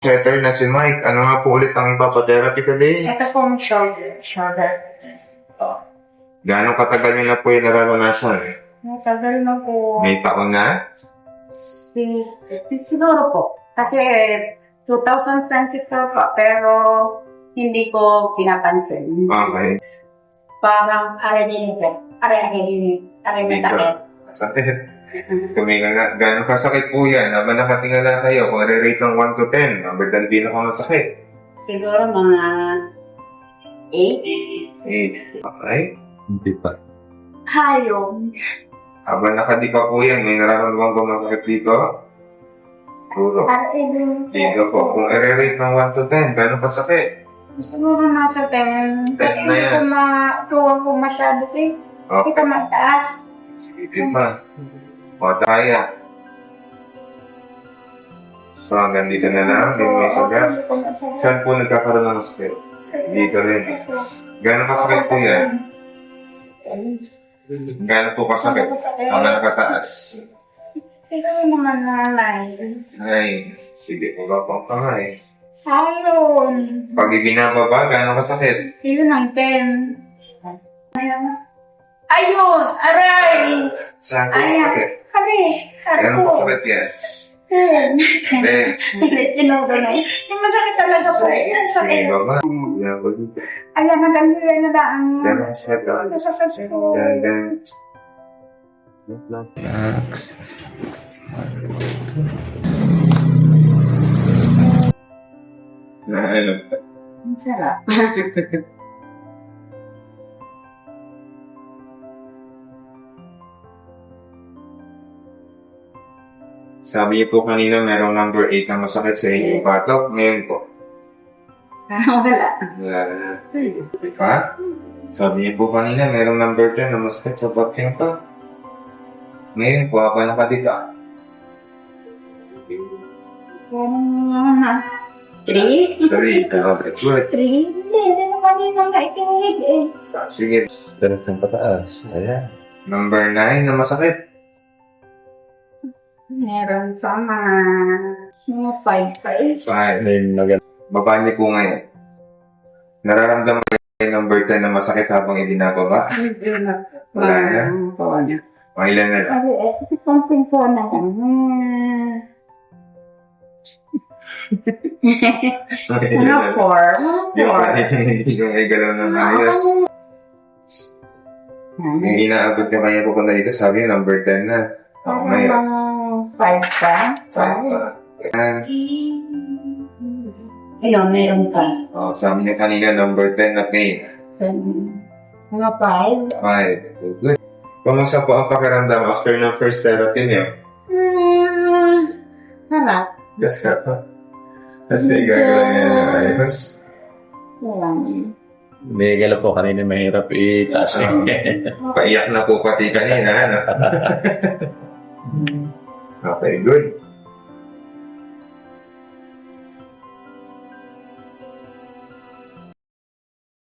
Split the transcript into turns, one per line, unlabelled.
setter na si Mike. Ano nga po ulit ang papatherapy today?
Ito pong shoulder.
Gano'ng katagal niyo na po yung nararanasan?
Matagal na po.
May taon na?
Siguro po. Kasi 2022 po, pero hindi ko pinapansin.
Okay.
Parang aray na sakit.
Sakit. Tuminga nga. Gano'ng kasakit po yan? Habang nakatingala kayo, kung re-rate ng 1 to 10, ang bagdan din ako masakit.
Siguro mga 8.
8. Okay.
Hindi pa.
Hayong.
Habang nakadipa po yan, may nararamdaman ba masakit dito? Siguro. Dito po. Kung re-rate ng 1 to 10, gano'ng kasakit?
Siguro nasa 10.
Test
Kasi
na
hindi
yan.
ko matuwa po masyado eh. Hindi
Okay.
ko mataas.
Sige pa. O, kaya. So, hanggang dito na lang. Hindi mo isagat. Saan po nagkakaroon ng stress? Dito rin. Gano'ng kasakit po yan? Gano'n po kasakit? Ang nakataas.
Ito naman nanay.
Ay, sige po ba pang pangay.
Ayun.
Pag ibinababa, gano'ng kasakit?
Yun ang 10. Ayun! Aray!
Saan po
Ayan.
kasakit?
Kami!
Gano'ng
Ako!
kasakit yan?
10.
Then,
Tinudo na eh. Yung masakit talaga po. Yan sakit.
ibaba. Yan po dito.
Ayan, nagandila na ba ang...
Gano'ng kasakit ka?
Masakit po.
Yan.
Relax.
Na ano?
Ang sarap.
Sabi niyo po kanina merong number 8 na masakit sa inyong batok. Ngayon po.
Wala.
Wala na. Diba? Sabi niyo po kanina merong number 10 na masakit sa batok pa. Ngayon po ako nakadika.
Yan. 3?
3. Okay, good.
3? Hindi naman yun ang naikinig eh.
Sige.
Direct ng pataas. Ayan.
Number 9 na masakit.
Meron pa mga 5.
5.
Ayun,
Baba niyo po ngayon. Nararamdaman ko yung number 10 na masakit habang ibinababa.
Hindi na.
Wala na?
Wala na.
O ilan na lang?
Kasi something po na lang. Ano, 4?
Yung may galaw ng ayos. Yung inaabot ka kanya pupunta dito, sabi yung number 10 na.
Parang
Ngayon.
mga 5 pa.
Yan.
Ayun, meron pa.
O, sabi niya kanina, number 10 na pain.
Mga 5.
5. Good. Kumusta po ang pakiramdam after ng first therapy niyo?
Harap.
Yes, ka pa. Kasi gagawin niya ng ayos.
Wala na.
Bigala po kanina mahirap itaas yung
Paiyak na po pati kanina, ano? Okay, good.